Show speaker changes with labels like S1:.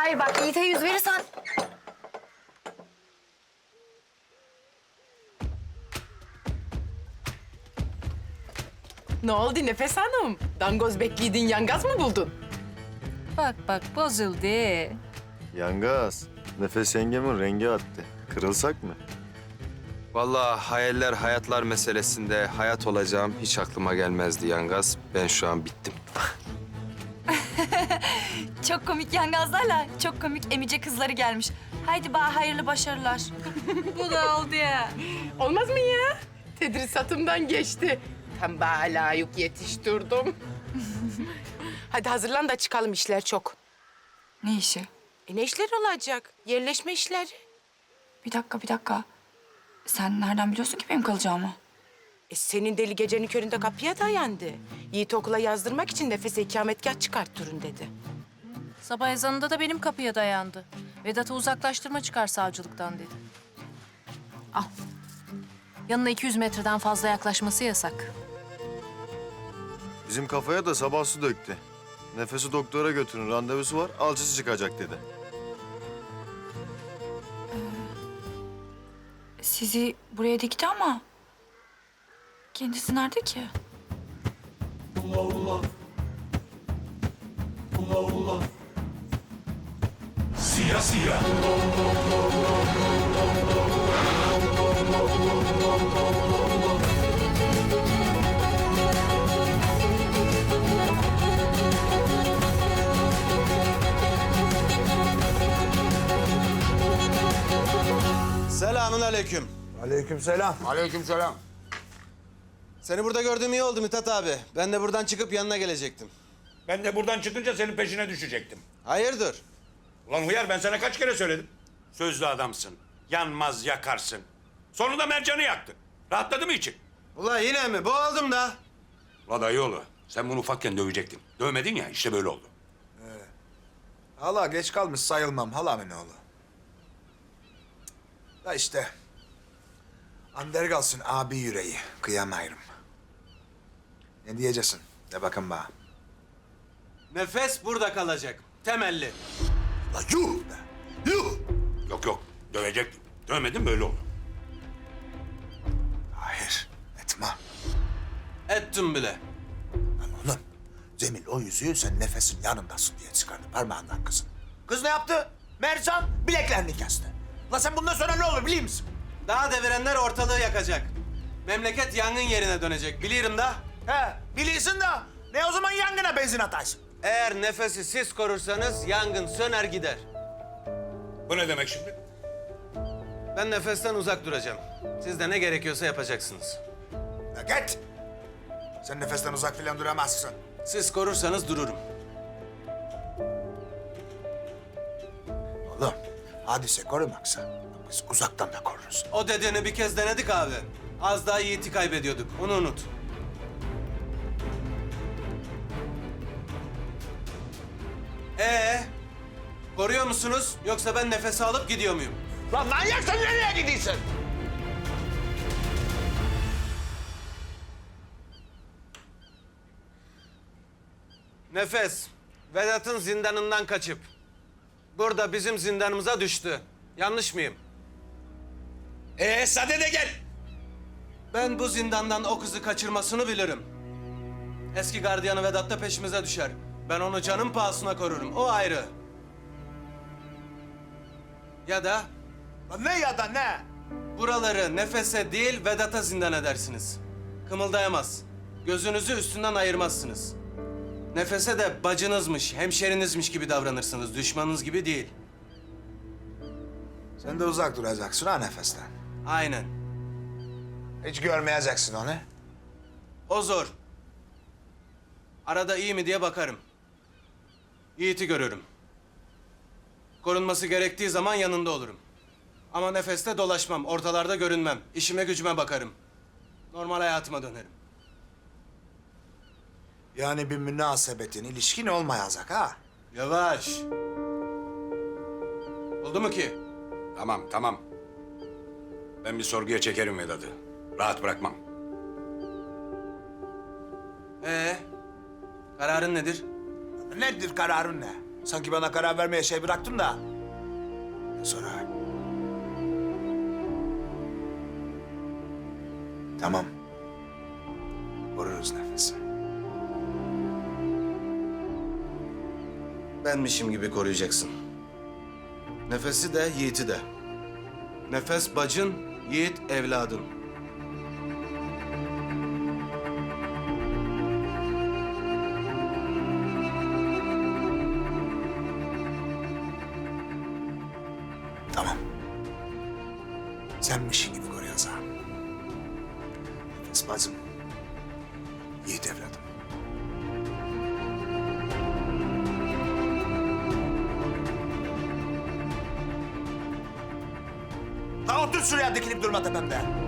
S1: Hayır bak Yiğit'e yüz verirsen...
S2: Ne oldu Nefes Hanım? Dangoz bekliydin, yangaz mı buldun?
S3: Bak bak bozuldu.
S4: Yangaz, Nefes yengemin rengi attı. Kırılsak mı?
S5: Vallahi hayaller hayatlar meselesinde hayat olacağım hiç aklıma gelmezdi Yangaz. Ben şu an bittim.
S3: Çok komik yangazlarla çok komik emice kızları gelmiş. Haydi bana hayırlı başarılar. Bu da oldu ya.
S2: Olmaz mı ya? Tedrisatımdan geçti. Tam bana layık yetiştirdim. Hadi hazırlan da çıkalım, işler çok.
S3: Ne işi?
S2: Ne işler olacak? Yerleşme işleri.
S3: Bir dakika. Sen nereden biliyorsun ki benim kalacağımı?
S2: Senin deli gecenin köründe kapıya dayandı. Yiğit okula yazdırmak için Nefes'e ikametgah çıkarttırın dedi.
S6: Sabah ezanında da benim kapıya dayandı. Vedat'ı uzaklaştırma çıkar savcılıktan dedi. Al. Yanına 200 metreden fazla yaklaşması yasak.
S4: Bizim kafaya da sabah su döktü. Nefesi doktora götürün, randevusu var, alçısı çıkacak dedi.
S3: Sizi buraya dikti ama... Kendisi nerede ki?
S7: Selamün aleyküm.
S8: Aleykümselam.
S9: Aleykümselam.
S7: Seni burada gördüğüm iyi oldu Mithat abi. Ben de buradan çıkıp yanına gelecektim.
S9: Ben de buradan çıkınca senin peşine düşecektim.
S7: Hayırdır?
S9: Ulan Hıyar, ben sana kaç kere söyledim. Sözlü adamsın. Yanmaz yakarsın. Sonunda Mercan'ı yaktın. Rahatladı mı için?
S7: Ula yine mi? Boğuldum da.
S9: Ulan dayıoğlu, sen bunu ufakken dövecektin. Dövmedin ya, işte böyle oldu.
S8: Hala geç kalmış sayılmam halamın oğlu. Da işte. Ander kalsın abi yüreği. Kıyamayırım. Ne diyeceksin? De bakın bana.
S7: Nefes burada kalacak. Temelli.
S8: La yuh be! Yuh!
S9: Yok, dövecektin. Dövmedin, böyle oldu.
S8: Hayır, etme.
S7: Ettim bile.
S8: Lan oğlum, Cemil o yüzüğü sen nefesin yanındasın diye çıkardı parmağından kızın. Kız ne yaptı? Mercan bileklerini kesti. La sen bundan sonra ne olur biliyor musun?
S7: Daha devirenler ortalığı yakacak. Memleket yangın yerine dönecek. Bilirim da.
S8: He, biliyorsun da ne o zaman yangına benzin ataysın?
S7: Eğer nefesi siz korursanız yangın söner gider.
S9: Bu ne demek şimdi?
S7: Ben nefesten uzak duracağım. Siz de ne gerekiyorsa yapacaksınız.
S8: La git! Sen nefesten uzak filan duramazsın.
S7: Siz korursanız dururum.
S8: Oğlum, hadise korumaksa biz uzaktan da koruruz.
S7: O dediğini bir kez denedik abi. Az daha Yiğit'i kaybediyorduk. Onu unut. Koruyor musunuz? Yoksa ben nefes alıp gidiyor muyum?
S8: Lan manyak sen nereye gidiyorsun?
S7: Nefes, Vedat'ın zindanından kaçıp burada bizim zindanımıza düştü. Yanlış mıyım?
S9: Sade de gel.
S7: Ben bu zindandan o kızı kaçırmasını bilirim. Eski gardiyanı Vedat da peşimize düşer. Ben onu canım pahasına korurum. O ayrı. Ya da
S8: Lan ne ya da ne?
S7: buraları Nefes'e değil Vedat'a zindan edersiniz. Kımıldayamaz. Gözünüzü üstünden ayırmazsınız. Nefes'e de bacınızmış, hemşerinizmiş gibi davranırsınız. Düşmanınız gibi değil.
S8: Sen de uzak duracaksın ha nefesten.
S7: Aynen.
S8: Hiç görmeyeceksin onu.
S7: O zor. Arada iyi mi diye bakarım. Yiğit'i görürüm. Korunması gerektiği zaman yanında olurum. Ama nefeste dolaşmam, ortalarda görünmem. İşime gücüme bakarım. Normal hayatıma dönerim.
S8: Yani bir münasebetin, ilişkin olmayacak ha.
S7: Yavaş. Oldu mu ki?
S9: Tamam. Ben bir sorguya çekerim Vedat'ı. Rahat bırakmam.
S7: Kararın nedir?
S8: Nedir kararın ne? Sanki bana karar vermeye şey bıraktın da. Sonra... Tamam. Koruruz nefesi.
S7: Benmişim gibi koruyacaksın. Nefesi de, Yiğit'i de. Nefes bacın, Yiğit evladın.
S8: Tamam. Senmişin gibi koruyacağım. Nefes bacım. Yiğit evladım. Ha otur şuraya dikilip durma tepemde.